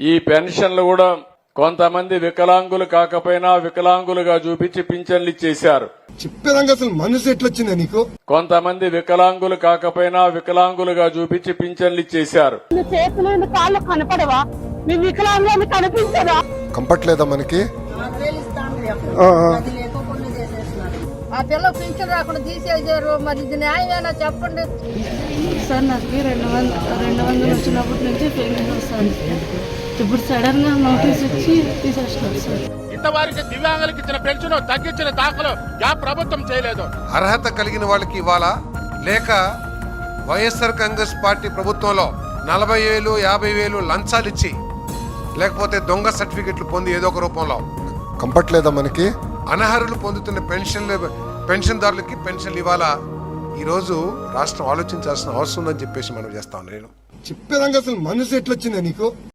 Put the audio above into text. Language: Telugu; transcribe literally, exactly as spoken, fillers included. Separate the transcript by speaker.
Speaker 1: ఈ పెన్షన్లు కూడా కొంతమంది వికలాంగులు కాకపోయినా వికలాంగులుగా చూపించి పింఛన్లు ఇచ్చేశారు.
Speaker 2: చెప్పేదాకా అసలు మనసు ఎట్లొచ్చిందా నీకు?
Speaker 1: కొంతమంది వికలాంగులు కాకపోయినా వికలాంగులుగా చూపించి పింఛన్లు ఇచ్చేశారు.
Speaker 3: చేతులు కాళ్ళు కనపడవా? మీ వికలాంగులు కనిపించదా?
Speaker 2: కంపట్లేదా మనకి?
Speaker 4: ఆ పిల్ల పింఛన్ రాకుండా తీసేసారు. మరి ఇది న్యాయమేనా చెప్పండి
Speaker 5: సార్. నాకు రెండు వందల రెండు వందలు వచ్చినప్పటి నుంచి పెన్షన్ వస్తుంది. ఇప్పుడు సడన్ గా నోటీస్ ఇచ్చి తీసేస్తున్నారు సార్.
Speaker 6: ఇంతవారికి దివ్యాంగులకు ఇచ్చిన పెన్షన్ తగ్గించిన దాఖలు యా ప్రభుత్వం చేయలేదు.
Speaker 7: అర్హత కలిగిన వాళ్ళకి ఇవ్వాలా, లేక వైఎస్ఆర్ కాంగ్రెస్ పార్టీ ప్రభుత్వంలో నలభై వేలు యాభై వేలు లంచాలు ఇచ్చి లేకపోతే దొంగ సర్టిఫికెట్లు పొంది ఏదో ఒక రూపంలో
Speaker 2: కంపట్లేదా మనకి?
Speaker 7: అనర్హులు పొందుతున్న పెన్షన్లు పెన్షన్దారులకి పెన్షన్లు ఇవ్వాలా? ఈరోజు రాష్ట్రం ఆలోచించాల్సిన అవసరం ఉందని చెప్పేసి మనం చేస్తాం. నేను
Speaker 2: చెప్పేదాకా అసలు మనసు ఎట్లొచ్చిందా నీకు?